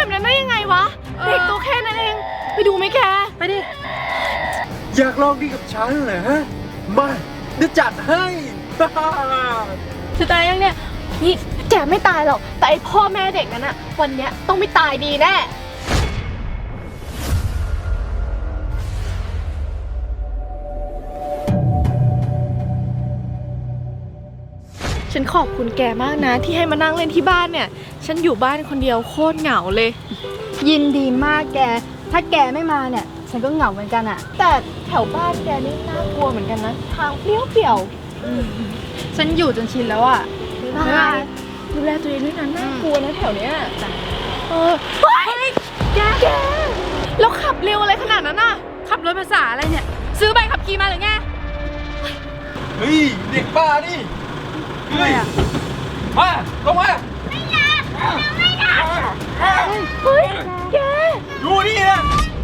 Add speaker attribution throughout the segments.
Speaker 1: แบบนั้นได้ยังไงวะเด็กตัวแค่นั้นเองไปดูไหมแกไปดิ
Speaker 2: อยากลองดีกับฉันเหรอฮะมาเดี๋ยวจัดให้
Speaker 1: จะตายยังเนี่ยนี่แกไม่ตายหรอกแต่ไอพ่อแม่เด็กนั้นอะวันเนี้ยต้องไม่ตายดีแน่ฉันขอบคุณแกมากนะที่ให้มานั่งเล่นที่บ้านเนี่ยฉันอยู่บ้านคนเดียวโคตรเหงาเลย
Speaker 3: ยินดีมากแกถ้าแกไม่มาเนี่ยฉันก็เหงาเหมือนกันอะ
Speaker 1: แต่แถวบ้านแกนี่น่ากลัวเหมือนกันนะทางเปรี้ยว
Speaker 3: ฉันอยู่จนชินแล้วอะ
Speaker 1: ดูแลตัวเองด้วยนะน่ากลัวนะแถวเนี้ยเฮ้ยแกแล้วขับเร็วอะไรขนาดนั้นน่ะ
Speaker 3: ขับรถภาษาอะไรเนี่ยซื้อใบขับขี่มาหรือไง
Speaker 2: เฮ้ยเด็กบ้านี่เฮ้ยมาลงมาไม่อยาก
Speaker 1: เฮ้ยแก
Speaker 2: ดูนี่นะ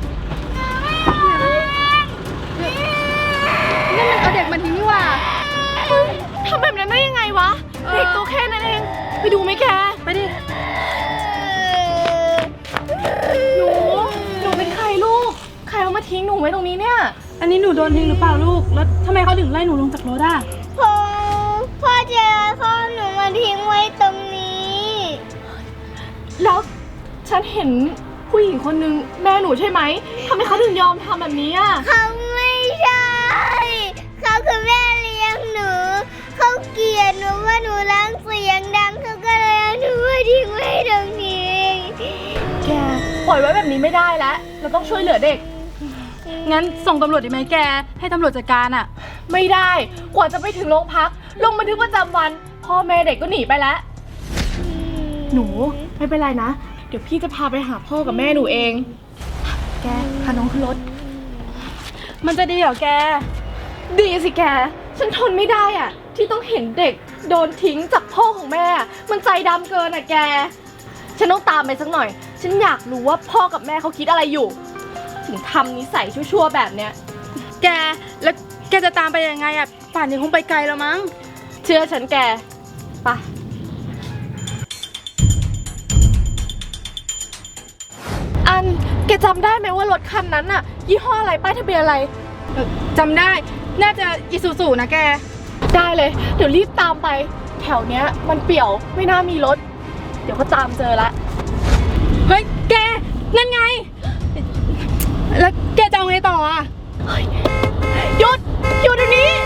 Speaker 3: นั่นมันเอาเด็กมาทิ้งนี่หว่า
Speaker 1: ทำแบบนั้นได้ยังไงวะเด็กตัวแค่นั้นเองไปดูไหมแก
Speaker 3: ไปดิ
Speaker 1: หนูเป็นใครลูกใครเอามาทิ้งหนูไว้ตรงนี้เนี่ย
Speaker 3: อันนี้หนูโดนทิ้งหรือเปล่าลูกแล้วทำไมเขาถึงไล่หนูลงจากรถอ่ะ
Speaker 4: พ่อเจอพ่อหนูมาทิ้งไว้ตรงนี้
Speaker 1: แล้วฉันเห็นผู้หญิงคนนึงแม่หนูใช่ไหมทำไมเขาถึงยอมทำแบบนี้อ่ะ
Speaker 4: เขาไม่ใช่เขาคือแม่เลี้ยงหนูเขาเกลียดหนูว่าหนูร้องเสียงดังเขาก็เลยเอาหนูมาทิ้งไว้ตรงนี้
Speaker 1: แกปล่อยไว้แบบนี้ไม่ได้แล้วเราต้องช่วยเหลือเด็ก
Speaker 3: งั้นส่งตำรวจดีไหมแกให้ตำรวจจัดการอ่ะ
Speaker 1: ไม่ได้กว่าจะไปถึงโรงพักลงบันทึกประจำวันพ่อแม่เด็กก็หนีไปแล้วหนูไม่เป็นไรนะเดี๋ยวพี่จะพาไปหาพ่อกับแม่หนูเองแกพาน้องขึ้นรถ
Speaker 3: มันจะดีเหรอแก
Speaker 1: ดีสิแกฉันทนไม่ได้อ่ะที่ต้องเห็นเด็กโดนทิ้งจากพ่อของแม่มันใจดำเกินอ่ะแกฉันต้องตามไปสักหน่อยฉันอยากรู้ว่าพ่อกับแม่เขาคิดอะไรอยู่ถึงทำนิสัยชั่วๆแบบเนี้ย
Speaker 3: แกแล้วแกจะตามไปยังไงอ่ะป่านนี้คงไปไกลแล้วมั้ง
Speaker 1: เชื่อฉันแกไปอันแกจำได้ไหมว่ารถคันนั้นอะยี่ห้ออะไรป้ายทะเบียนอะไร
Speaker 3: จำได้น่าจะอิซูซุนะแก
Speaker 1: ได้เลยเดี๋ยวรีบตามไปแถวเนี้ยมันเปี่ยวไม่น่ามีรถเดี๋ยวก็ตามเจอละ
Speaker 3: เฮ้ยแกนั่นไงแล้วแกจะเอาไงต่ออ่ะ
Speaker 1: หยุดเดี๋ยวนี้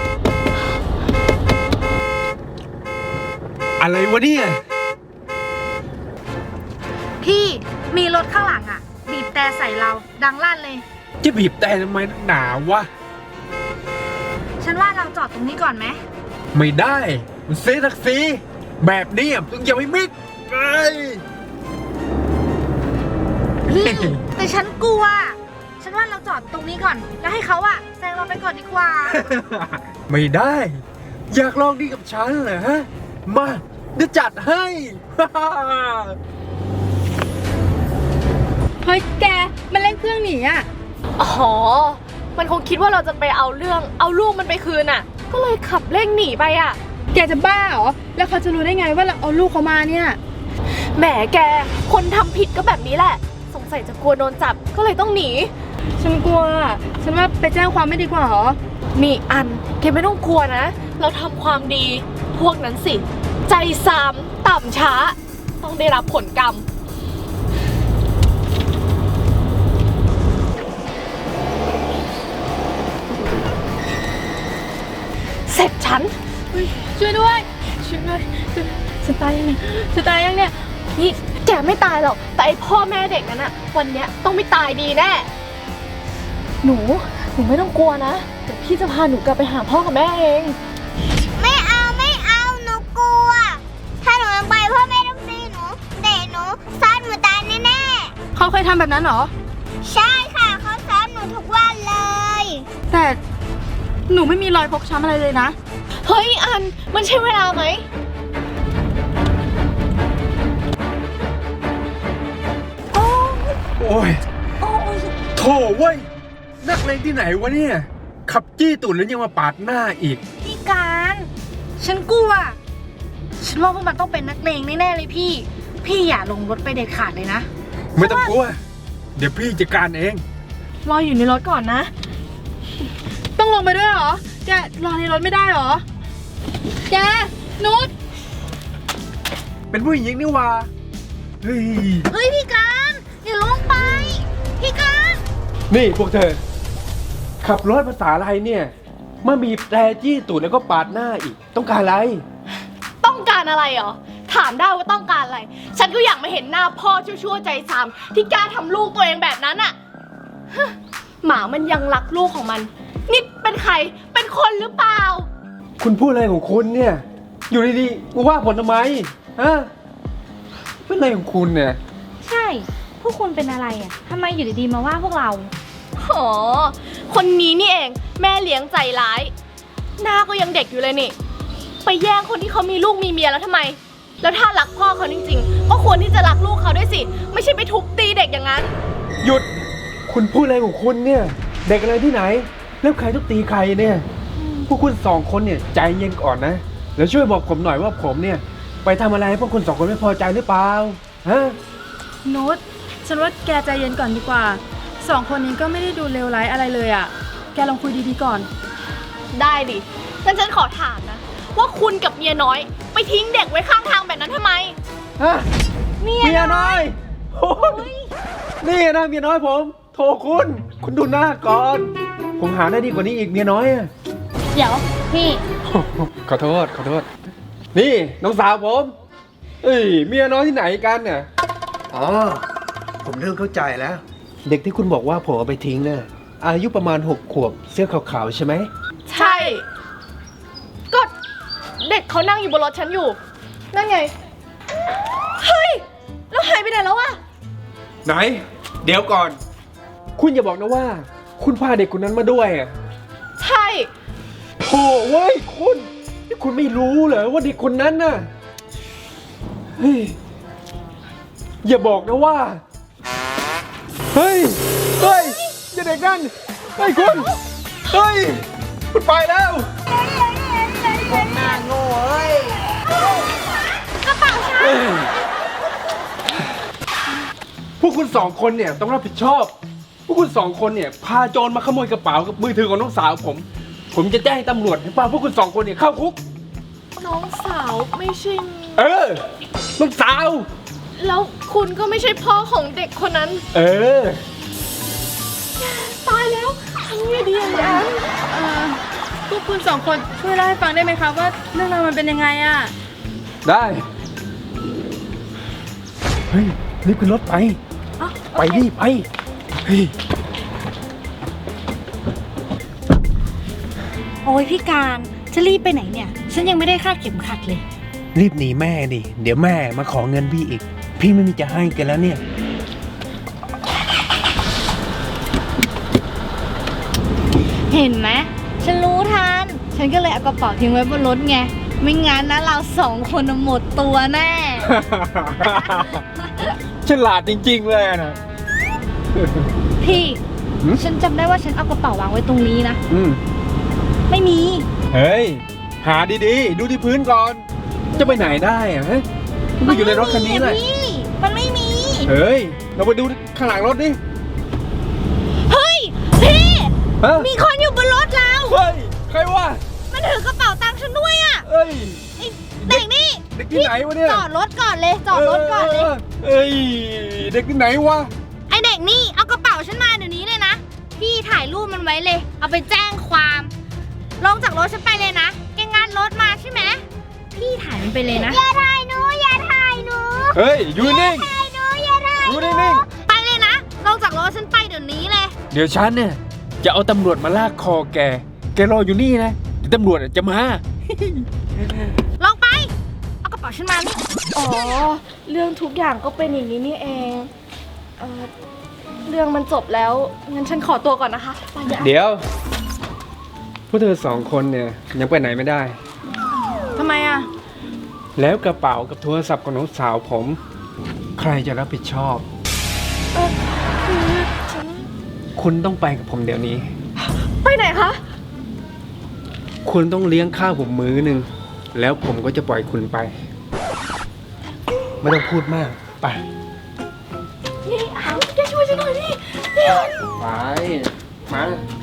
Speaker 2: อะไรวะเนี่ย
Speaker 3: พี่มีรถข้างหลังอ่ะบีบแต่ใส่เราดังลั่นเลย
Speaker 2: จะบีบแต่ทำไมหนาวะ
Speaker 3: ฉันว่าเราจอดตรงนี้ก่อนไหม
Speaker 2: ไม่ได้มันเสียศักดิ์ศรีแบบนี้ต้องอย่าไปมิดไป
Speaker 3: แต่ฉันกลัวฉันว่าเราจอดตรงนี้ก่อนแล้วให้เขาอะแซงเราไปก่อนดีกว่า
Speaker 2: ไม่ได้อยากลองดีกับฉันเหรอฮะมาเดี๋ยวจัดให้
Speaker 3: เฮ้ยแกมันเร่งเครื่องหนีอะ
Speaker 1: อ๋อมันคงคิดว่าเราจะไปเอาลูกมันไปคืนอะก็เลยขับเร่งหนีไปอะ
Speaker 3: แกจะบ้าเหรอแล้วเขาจะรู้ได้ไงว่าเราเอาลูกเขามาเนี่ย
Speaker 1: แหมแกคนทำผิดก็แบบนี้แหละสงสัยจะกลัวโดนจับก็เลยต้องหนี
Speaker 3: ฉันกลัวฉันว่าไปแจ้งความไม่ดีกว่าหรอ
Speaker 1: นี่อันแกไม่ต้องกลัวนะเราทำความดีพวกนั้นสิใจซามต่ำช้าต้องได้รับผลกรรมเสร็จฉัน
Speaker 3: ช่วยด้วยฉันตายยังเนี่ย
Speaker 1: นี่แกไม่ตายหรอกแต่ไอพ่อแม่เด็กนั้นอะวันเนี้ยต้องไม่ตายดีแน่หนูไม่ต้องกลัวนะเดี๋ยวพี่จะพาหนูกลับไปหาพ่อกับแม่เอง
Speaker 4: ไม่เอาหนูกลัวถ้าหนูยังไปพ่อแม่ต้องตีหนูเตะหนูซ้อนหนูตายแน่
Speaker 3: ๆเขาเคยทำแบบนั้นเหรอ
Speaker 4: ใช่ค่ะเขาซ้อนหนูทุกวันเลย
Speaker 3: แต่หนูไม่มีรอยฟกช้ำอะไรเลยนะ
Speaker 1: เฮ้ยอันมันใช่เวลาไหม
Speaker 2: โอ้ยโถ่เว้ยนักเลงที่ไหนวะเนี่ยขับจี้ตูดแล้วยังมาปาดหน้าอีก
Speaker 3: พี่การฉันกลัวฉันว่าพวกมันต้องเป็นนักเลงแน่ๆเลยพี่อย่าลงรถไปเด็ดขาดเลยนะ
Speaker 2: ไม่ต้องกลัว เดี๋ยวพี่จัดการเอง
Speaker 1: รออยู่ในรถก่อนนะ ต้องลงไปด้วยเหรอ แกรอในรถไม่ได้เหรอ แก นุช
Speaker 2: เป็นผู้หญิงนี่หว่าเฮ้ย
Speaker 3: เฮ้ยพี่การอย่าลงไป พี่การ
Speaker 2: นี่พวกเธอ ขับรถภาษาอะไรเนี่ยมาบีบแตรจี้ตูดแล้วก็ปาดหน้าอีก ต้องการอะไร
Speaker 1: ต้องการอะไรเหรอ ถามได้ว่าต้องการอะไร ฉันก็อยากมาเห็นหน้าพ่อชั่วๆใจซามที่กล้าทำลูกตัวเองแบบนั้นอะฮะหมามันยังรักลูกของมัน นี่เป็นใคร เป็นคนหรือเปล่า
Speaker 2: คุณพูดอะไรของคุณเนี่ย อยู่ดีๆมาว่าผมทำไมฮะเป็นอะไรของคุณเนี่ย
Speaker 3: ใช่ พวกคุณเป็นอะไรอ่ะทำไมอยู่ดีๆมาว่าพวกเรา
Speaker 1: อ๋อ คนนี้นี่เองแม่เลี้ยงใจร้าย หน้าก็ยังเด็กอยู่เลยนี่ ไปแย่งคนที่เขามีลูกมีเมียแล้วทำไม แล้วถ้ารักพ่อเขาจริงๆ ก็ควรที่จะรักลูกเขาด้วยสิ ไม่ใช่ไปทุบตีเด็กอย่างนั้น
Speaker 2: หยุด คุณพูดอะไรของคุณเนี่ย เด็กอะไรที่ไหน แล้วใครทุบตีใครเนี่ย พวกคุณสองคนเนี่ยใจเย็นก่อนนะ แล้วช่วยบอกผมหน่อยว่าผมเนี่ย ไปทำอะไรให้พวกคุณสองคนไม่พอใจหรือเปล่า ฮะ
Speaker 5: นุชฉันว่าแกใจเย็นก่อนดีกว่าสองคนนี้ก็ไม่ได้ดูเลวร้ายอะไรเลยอะแกลองคุยดีๆก่อน
Speaker 1: ได้ดิงั้นฉันขอถามนะ ว่าคุณกับเมียน้อย ไปทิ้งเด็กไว้ข้างทางแบบนั้นทำไม
Speaker 2: ฮะ เมียน้อยโอ้ยนี่นะเมียน้อยผม โทรคุณดูหน้าก่อน ผมหาได้ดีกว่านี้อีกเมียน้อยอะ
Speaker 3: เดี๋ยวพี่
Speaker 2: ขอโทษ นี่น้องสาวผม เอ้ยเมียน้อยที่ไหนกันเนี่ย อ๋อ ผมเริ่มเข้าใจแล้ว เด็กที่คุณบอกว่าผมเอาไปทิ้งเนี่ยอายุประมาณ6 ขวบเสื้อขาวๆใช่ไหม
Speaker 1: ใช่ ก็เด็กเขานั่งอยู่บนรถฉันอยู่ นั่นไง เฮ้ย แล้วหายไปไหนแล้วอะ
Speaker 2: ไหน เดี๋ยวก่อน คุณอย่าบอกนะว่า คุณพาเด็กคนนั้นมาด้วยอ่ะ
Speaker 1: ใช่
Speaker 2: โถ่เว้ยคุณนี่คุณไม่รู้เหรอว่าเด็กคนนั้นน่ะ เฮ้ย อย่าบอกนะว่า เฮ้ยอย่าเด็กนั่น เฮ้ยคุณ เฮ้ย คุณไปแล้ว พวกคุณสองคนเนี่ยต้องรับผิดชอบ พวกคุณสองคนเนี่ยพาโจรมาขโมยกระเป๋ากับมือถือของน้องสาวผมจะแจ้งตำรวจให้ป้าพวกคุณสองคนเนี่ยเข้าคุก
Speaker 1: น้องสาวไม่ใช่
Speaker 2: น้องสาว
Speaker 1: แล้วคุณก็ไม่ใช่พ่อของเด็กคนนั้น ตายแล้วทำไงดีอย่างนั้น
Speaker 5: พวกคุณสองคนช่วยเล่าให้ฟังได้ไหมคะว่าเรื่องราวมันเป็นยังไงอะ
Speaker 2: ได้ เฮ้ยรีบขึ้นรถไป ไปดิไป เฮ้ย
Speaker 3: โอ้ยพี่การจะรีบไปไหนเนี่ย ฉันยังไม่ได้คาดเข็มขัดเลย
Speaker 2: รีบหนีแม่ดิ เดี๋ยวแม่มาขอเงินพี่อีก พี่ไม่มีจะให้กันแล้วเนี่ย
Speaker 3: เห็นไหมฉันรู้ทัน ฉันก็เลยเอากระเป๋าทิ้งไว้บนรถไง ไม่งั้นนะเราสองคนน่ะหมดตัวแน่
Speaker 2: ฉลาดจริงๆเลยนะ
Speaker 3: พี่
Speaker 2: หืม
Speaker 3: ฉันจำได้ว่าฉันเอากระเป๋าวางไว้ตรงนี้นะ ไม่มี
Speaker 2: เฮ้ย หาดีๆ ดูที่พื้นก่อน จะไปไหนได้อะฮะมันก็อยู่ในรถคันนี้แหละ
Speaker 3: พี่มันไม่มี
Speaker 2: เฮ้ย เราไปดูข้างหลังรถดิ
Speaker 3: เฮ้ย พี่
Speaker 2: ฮะ
Speaker 3: มีคนอยู่บนรถเรา
Speaker 2: เฮ้ย ใครวะ
Speaker 3: มันถือกระเป๋าตังค์ฉันด้วยอะ
Speaker 2: เอ้ย
Speaker 3: ไอ้เด็กนี่
Speaker 2: เด็กที่ไหนวะเนี่ย
Speaker 3: จอดรถก่อนเลย จอดรถก่อนเลย
Speaker 2: เอ้ย เด็กที่ไหนวะ
Speaker 3: ไอเด็กนี่เอากระเป๋าฉันมาเดี๋ยวนี้เลยนะ พี่ถ่ายรูปมันไว้เลย เอาไปแจ้งความ ลงจากรถฉันไปเลยนะ แกงานรถมาใช่ไหม พี่ถ่ายมันไปเลยนะ
Speaker 4: อย่าถ่ายหนู อย่าถ่ายหนู
Speaker 2: เฮ้ย อยู่นิ่ง
Speaker 4: ถ่ายหนู อย่าถ่าย
Speaker 2: อยู่นิ่ง
Speaker 3: ไปเลยนะ ลงจากรถฉันไปเดี๋ยวนี้เลย
Speaker 2: เดี๋ยวฉันเนี่ยจะเอาตำรวจมาลากคอแก แกรออยู่นี่นะเดี๋ยวตำรวจจะมา
Speaker 3: ลงไป เอากระเป๋าฉันมานี่
Speaker 1: อ๋อ เรื่องทุกอย่างก็เป็นอย่างนี้นี่เองเรื่องมันจบแล้ว งั้นฉันขอตัวก่อนนะคะไปอย่า
Speaker 2: เดี๋ยว พวกเธอสองคนเนี่ยยังไปไหนไม่ได้
Speaker 5: ทำไมอะ
Speaker 2: แล้วกระเป๋ากับโทรศัพท์ของน้องสาวผม ใครจะรับผิดชอบ
Speaker 1: คือฉัน
Speaker 2: คุณต้องไปกับผมเดี๋ยวนี้
Speaker 1: ไปไหนคะ
Speaker 2: คุณต้องเลี้ยงข้าวผมมื้อหนึ่งแล้วผมก็จะปล่อยคุณไป ไม่ต้องพูดมาก ไป
Speaker 1: นี่แกช่วยฉันหน่อยดิพี่หยน
Speaker 2: ไป มา